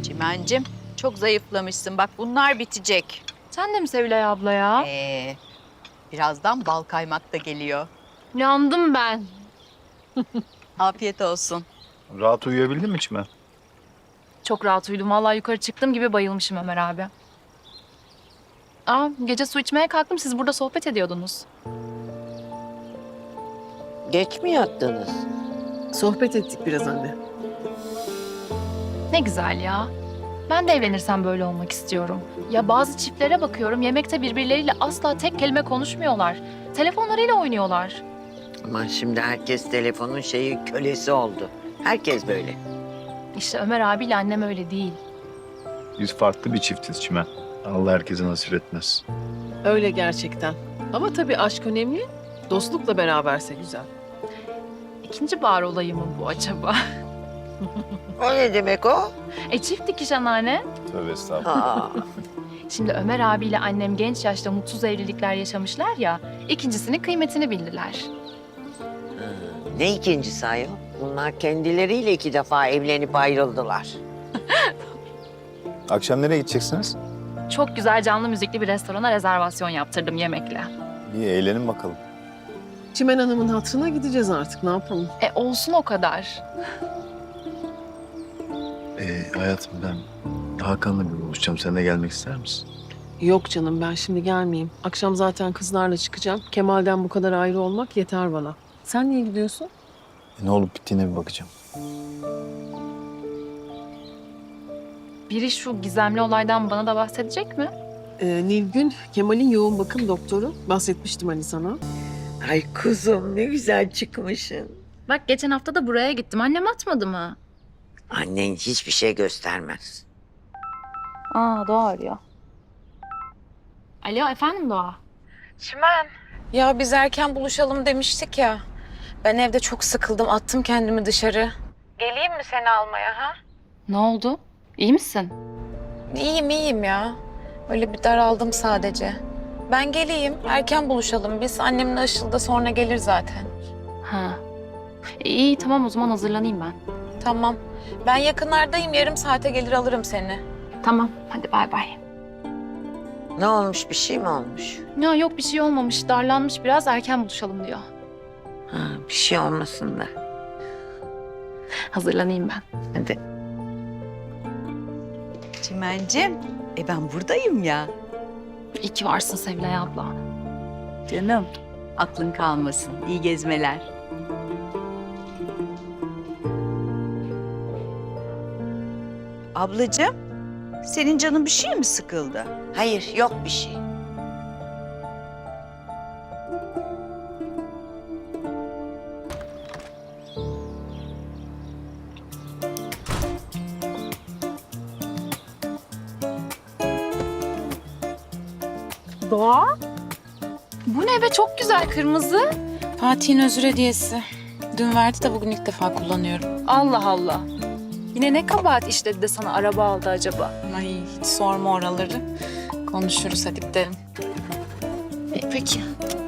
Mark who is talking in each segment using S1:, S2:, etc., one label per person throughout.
S1: Çimencim, çok zayıflamışsın. Bak bunlar bitecek.
S2: Sen de mi Sevilay abla ya?
S1: Birazdan bal kaymak da geliyor.
S2: Yandım ben.
S1: Afiyet olsun.
S3: Rahat uyuyabildin mi Çimen?
S2: Çok rahat uyudum. Vallahi yukarı çıktığım gibi bayılmışım Ömer abi. Gece su içmeye kalktım. Siz burada sohbet ediyordunuz.
S4: Geç mi yattınız?
S5: Sohbet ettik biraz anne.
S2: Ne güzel ya. Ben de evlenirsem böyle olmak istiyorum. Ya bazı çiftlere bakıyorum, yemekte birbirleriyle asla tek kelime konuşmuyorlar. Telefonlarıyla oynuyorlar.
S4: Ama şimdi herkes telefonun kölesi oldu. Herkes böyle.
S2: İşte Ömer abiyle annem öyle değil.
S3: Biz farklı bir çiftiz Çimen. Allah herkese nasip etmez.
S5: Öyle gerçekten. Ama tabii aşk önemli. Dostlukla beraberse güzel.
S2: İkinci bahar olayı mı bu acaba?
S4: O ne demek o?
S2: Çift dikiş anneanne.
S3: Tövbe estağfurullah.
S4: Aa,
S2: Şimdi Ömer abiyle annem genç yaşta mutsuz evlilikler yaşamışlar ya, ikincisinin kıymetini bildiler.
S4: ne ikincisi ayol? Bunlar kendileriyle 2 defa evlenip ayrıldılar.
S3: Akşam nereye gideceksiniz?
S2: Çok güzel canlı müzikli bir restorana rezervasyon yaptırdım yemekle.
S3: İyi eğlenin bakalım.
S5: Çimen Hanım'ın hatırına gideceğiz artık. Ne yapalım?
S2: Olsun o kadar.
S3: Hayatım ben Hakan'la bir buluşacağım. Sen de gelmek ister misin?
S5: Yok canım, ben şimdi gelmeyeyim. Akşam zaten kızlarla çıkacağım. Kemal'den bu kadar ayrı olmak yeter bana. Sen niye gidiyorsun?
S3: Ne olup bittiğine bir bakacağım.
S2: Biri şu gizemli olaydan bana da bahsedecek mi?
S5: Nilgün, Kemal'in yoğun bakım doktoru. Bahsetmiştim hani sana.
S4: Ay kuzum ne güzel çıkmışsın.
S2: Bak geçen hafta da buraya gittim. Annem atmadı mı?
S4: Annen hiçbir şey göstermez.
S2: Doğa arıyor. Alo efendim Doğa.
S6: Çimen. Ya biz erken buluşalım demiştik ya. Ben evde çok sıkıldım. Attım kendimi dışarı. Geleyim mi seni almaya ha?
S2: Ne oldu? İyi misin?
S6: İyiyim ya. Öyle bir daraldım sadece. Ben geleyim. Erken buluşalım biz. Annemle Işıl da sonra gelir zaten.
S2: Ha. İyi tamam o zaman hazırlanayım ben.
S6: Tamam. Ben yakınlardayım. Yarım saate gelir alırım seni.
S2: Tamam hadi bay bay.
S4: Ne olmuş, bir şey mi olmuş?
S2: Ya yok bir şey olmamış. Darlanmış biraz erken buluşalım diyor.
S4: Ha, bir şey olmasın da.
S2: Hazırlanayım ben.
S4: Hadi.
S1: Çimencim, ben buradayım ya.
S2: İyi ki varsın Sevilay abla.
S1: Canım, aklın kalmasın. İyi gezmeler. Ablacığım, senin canın bir şey mi sıkıldı?
S4: Hayır, yok bir şey.
S2: Doğa? Bu ne be çok güzel kırmızı.
S6: Fatih'in özür hediyesi. Dün verdi de bugün ilk defa kullanıyorum.
S2: Allah Allah. Yine ne kabahat işledi de sana araba aldı acaba?
S6: Ay hiç sorma oraları. Konuşuruz hadi gidelim.
S2: Peki.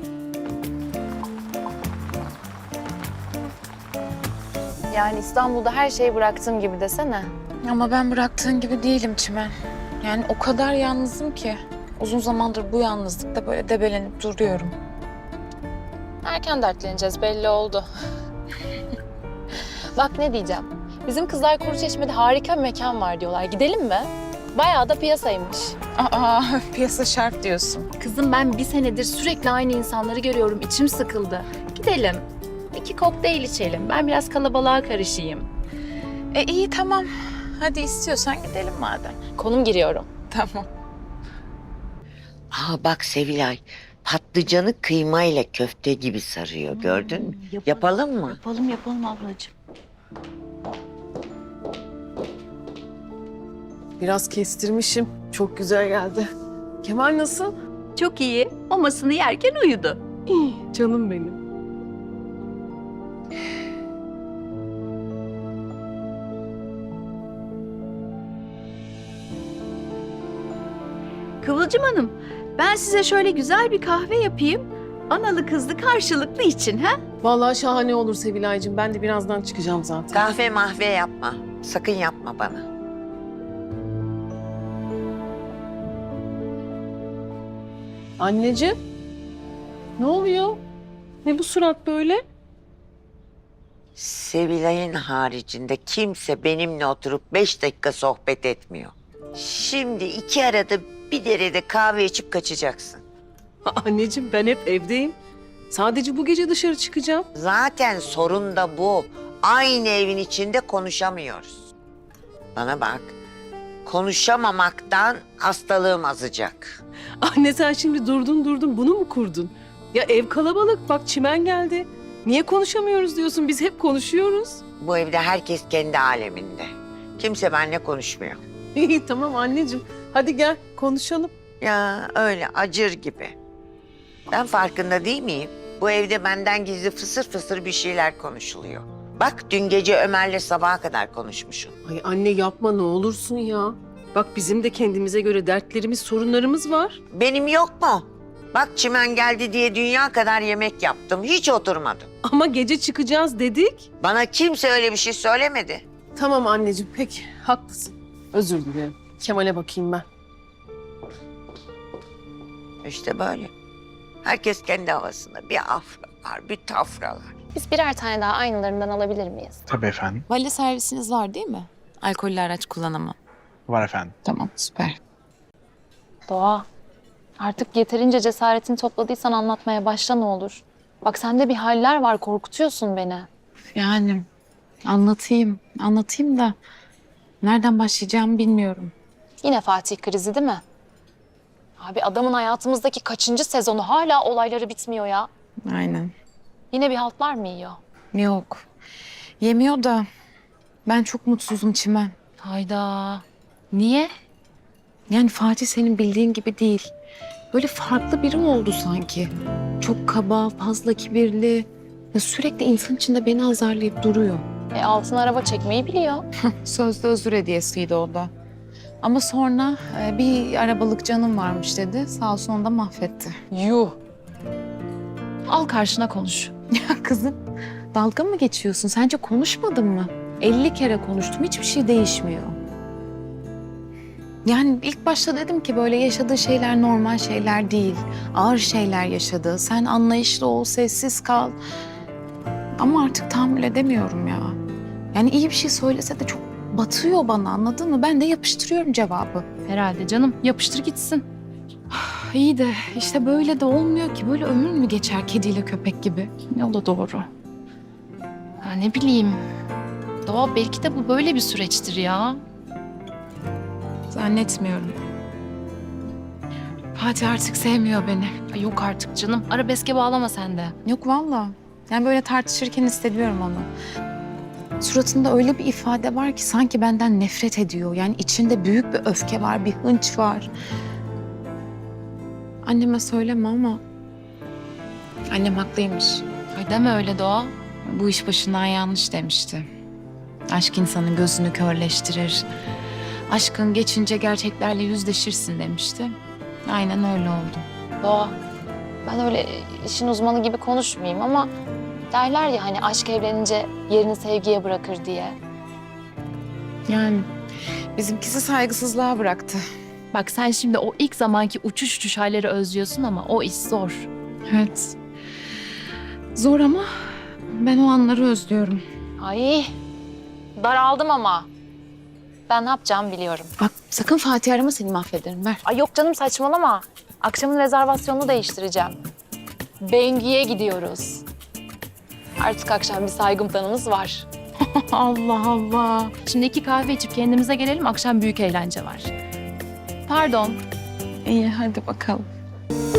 S2: Yani İstanbul'da her şeyi bıraktığım gibi desene.
S6: Ama ben bıraktığın gibi değilim Çimen. Yani o kadar yalnızım ki. Uzun zamandır bu yalnızlıkta böyle debelenip duruyorum.
S2: Erken dertleneceğiz belli oldu. Bak ne diyeceğim. Bizim kızlar Kuruçeşme'de harika bir mekan var diyorlar. Gidelim mi? Bayağı da piyasaymış.
S6: Aa piyasa şart diyorsun.
S2: Kızım ben bir senedir sürekli aynı insanları görüyorum. İçim sıkıldı. Gidelim. 2 kokteyl içelim. Ben biraz kalabalığa karışayım.
S6: İyi tamam. Hadi istiyorsan gidelim madem.
S2: Konum giriyorum.
S6: Tamam.
S4: Bak Sevilay, patlıcanı kıymayla köfte gibi sarıyor. Gördün mü? Yapalım mı?
S1: Yapalım ablacığım.
S5: Biraz kestirmişim. Çok güzel geldi. Kemal nasıl?
S1: Çok iyi. Mamasını yerken uyudu.
S5: İyi, canım benim.
S1: Kıvılcım Hanım, ben size şöyle güzel bir kahve yapayım. Analı kızlı karşılıklı için ha?
S5: Vallahi şahane olur Sevilay'cığım. Ben de birazdan çıkacağım zaten.
S4: Kahve mahve yapma. Sakın yapma bana.
S5: Anneciğim. Ne oluyor? Ne bu surat böyle?
S4: Sevilay'ın haricinde kimse benimle oturup 5 dakika sohbet etmiyor. Şimdi iki arada bir derede kahve içip kaçacaksın.
S5: Anneciğim ben hep evdeyim. Sadece bu gece dışarı çıkacağım.
S4: Zaten sorun da bu. Aynı evin içinde konuşamıyoruz. Bana bak, konuşamamaktan hastalığım azacak.
S5: Anne sen şimdi durdun bunu mu kurdun? Ya ev kalabalık bak çimen geldi. Niye konuşamıyoruz diyorsun? Biz hep konuşuyoruz.
S4: Bu evde herkes kendi aleminde. Kimse benimle konuşmuyor.
S5: İyi tamam anneciğim. Hadi gel konuşalım.
S4: Ya öyle acır gibi. Ben farkında değil miyim? Bu evde benden gizli fısır fısır bir şeyler konuşuluyor. Bak dün gece Ömer'le sabaha kadar konuşmuşum.
S5: Ay anne yapma ne olursun ya. Bak bizim de kendimize göre dertlerimiz, sorunlarımız var.
S4: Benim yok mu? Bak çimen geldi diye dünya kadar yemek yaptım. Hiç oturmadım.
S5: Ama gece çıkacağız dedik.
S4: Bana kimse öyle bir şey söylemedi.
S5: Tamam anneciğim peki haklısın. Özür dilerim. Kemal'e bakayım ben.
S4: İşte böyle. Herkes kendi havasında. Bir afralar, bir tafralar.
S7: Biz birer tane daha aynılarından alabilir miyiz?
S8: Tabii efendim.
S9: Vali servisiniz var değil mi? Alkollü araç kullanamam.
S8: Var efendim.
S9: Tamam, süper.
S2: Doğa, artık yeterince cesaretini topladıysan anlatmaya başla ne olur. Bak sende bir haller var, korkutuyorsun beni.
S9: Yani anlatayım da nereden başlayacağımı bilmiyorum.
S2: Yine Fatih krizi değil mi? Abi adamın hayatımızdaki kaçıncı sezonu hala olayları bitmiyor ya.
S9: Aynen.
S2: Yine bir haltlar mı yiyor?
S9: Yok. Yemiyor da ben çok mutsuzum Çimen.
S2: Hayda. Niye?
S9: Yani Fatih senin bildiğin gibi değil. Böyle farklı biri oldu sanki. Çok kaba, fazla kibirli. Ya sürekli insan içinde beni azarlayıp duruyor.
S2: Altın araba çekmeyi biliyor.
S9: Sözde özür hediyesiydi o da. Ama sonra bir arabalık canım varmış dedi. Sağ olsun onu da mahvetti.
S2: Yuh. Al karşına konuş.
S9: Ya kızım dalga mı geçiyorsun? Sence konuşmadın mı? 50 kere konuştum. Hiçbir şey değişmiyor. Yani ilk başta dedim ki böyle yaşadığı şeyler normal şeyler değil. Ağır şeyler yaşadı. Sen anlayışlı ol, sessiz kal. Ama artık tahammül edemiyorum ya. Yani iyi bir şey söylese de çok batıyor bana, anladın mı? Ben de yapıştırıyorum cevabı.
S2: Herhalde canım. Yapıştır gitsin.
S9: İyi de işte böyle de olmuyor ki. Böyle ömür mü geçer kediyle köpek gibi?
S2: O da doğru. Ha, ne bileyim. Doğa belki de bu böyle bir süreçtir ya.
S9: Zannetmiyorum. Fatih artık sevmiyor beni.
S2: Ay yok artık canım. Arabeske bağlama sen de.
S9: Yok vallahi. Yani böyle tartışırken hissediyorum onu. Suratında öyle bir ifade var ki sanki benden nefret ediyor. Yani içinde büyük bir öfke var, bir hınç var. Anneme söyleme ama annem haklıymış.
S2: Ay deme öyle Doğa.
S9: Bu iş başından yanlış demişti. Aşk insanın gözünü körleştirir. Aşkın geçince gerçeklerle yüzleşirsin demişti. Aynen öyle oldu.
S2: Doğa, ben öyle işin uzmanı gibi konuşmayayım ama derler ya hani aşk evlenince yerini sevgiye bırakır diye.
S9: Yani bizimkisi saygısızlığa bıraktı.
S2: Bak sen şimdi o ilk zamanki uçuş uçuş halleri özlüyorsun ama o iş zor.
S9: Evet. Zor ama ben o anları özlüyorum.
S2: Ay, daraldım ama. Ben ne yapacağımı biliyorum.
S9: Bak sakın Fatih arama, seni mahvederim, ver.
S2: Ay yok canım saçmalama. Akşamın rezervasyonunu değiştireceğim. Bengi'ye gidiyoruz. Artık akşam bir saygım tanımız var.
S9: Allah Allah.
S2: Şimdi 2 kahve içip kendimize gelelim. Akşam büyük eğlence var. Pardon.
S9: İyi hadi bakalım.